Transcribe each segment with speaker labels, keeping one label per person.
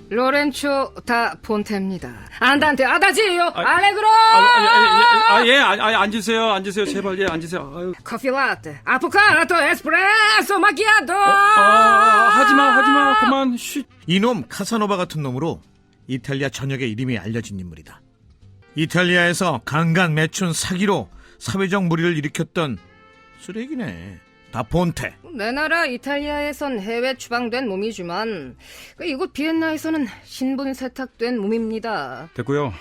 Speaker 1: 로렌초 다 폰테입니다. 안단테 아다지요. 알레그로.
Speaker 2: 앉으세요. 제발, 앉으세요. 아유.
Speaker 1: 커피 라떼, 아포카도, 에스프레소, 마키아토.
Speaker 2: 하지마, 그만, 쉿.
Speaker 3: 이놈 카사노바 같은 놈으로 이탈리아 전역의 이름이 알려진 인물이다. 이탈리아에서 강간, 매춘, 사기로 사회적 무리를 일으켰던 쓰레기네. 다폰테.
Speaker 1: 내 나라 이탈리아에선 해외 추방된 몸이지만 이곳 비엔나에서는 신분 세탁된 몸입니다.
Speaker 2: 됐고요.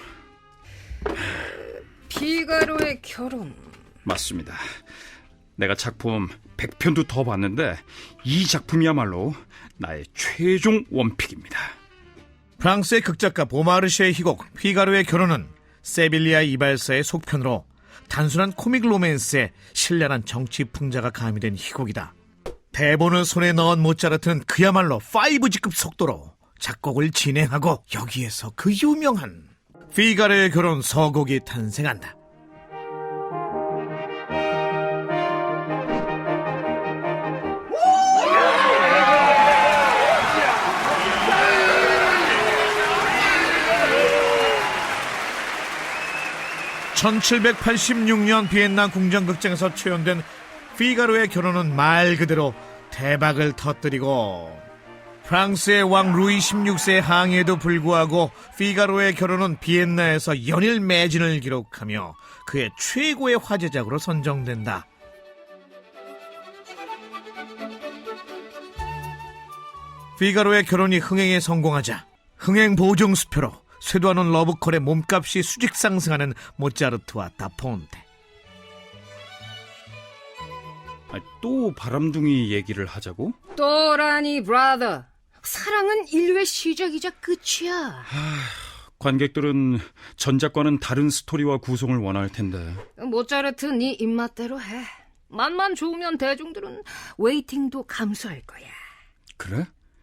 Speaker 1: 피가로의 결혼.
Speaker 2: 맞습니다. 내가 작품 100편도 더 봤는데 이 작품이야말로 나의 최종 원픽입니다.
Speaker 3: 프랑스의 극작가 보마르쉐의 희곡 피가로의 결혼은 세빌리아 이발사의 속편으로 단순한 코믹 로맨스에 신랄한 정치 풍자가 가미된 희곡이다. 대본을 손에 넣은 모차르트는 그야말로 5G급 속도로 작곡을 진행하고 여기에서 그 유명한 피가로의 결혼 서곡이 탄생한다. (1786년) 비엔나 궁정극장에서 초연된 피가로의 결혼은 말 그대로 대박을 터뜨리고 프랑스의 왕 루이 16세의 항의에도 불구하고 피가로의 결혼은 비엔나에서 연일 매진을 기록하며 그의 최고의 화제작으로 선정된다. 피가로의 결혼이 흥행에 성공하자 흥행 보증 수표로 쇄도하는 러브콜의 몸값이 수직 상승하는 모차르트와 다폰테.
Speaker 2: 또 바람둥이 얘기를 하자고?
Speaker 1: 또라니 브라더. 사랑은 인류의 시작이자 끝이야.
Speaker 2: 관객들은 전작과는 다른 스토리와 구성을 원할 텐데.
Speaker 1: 모차르트 네 입맛대로 해. 맛만 좋으면 대중들은 웨이팅도 감수할 거야.
Speaker 2: 그래,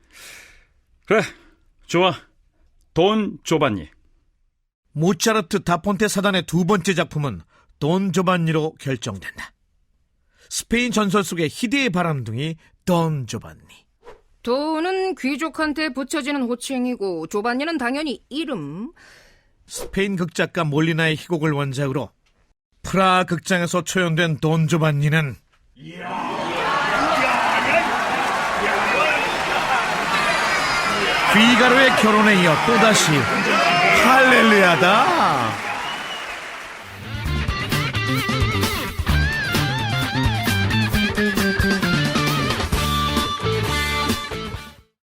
Speaker 2: 좋아. 돈 조반니.
Speaker 3: 모차르트 다폰테 사단의 두 번째 작품은 돈 조반니로 결정된다. 스페인 전설 속의 희대의 바람둥이 돈 조반니.
Speaker 1: 돈은 귀족한테 붙여지는 호칭이고 조반니는 당연히 이름.
Speaker 3: 스페인 극작가 몰리나의 희곡을 원작으로 프라하 극장에서 초연된 돈 조반니는 피가로의 결혼에 이어 또다시 할렐루야다.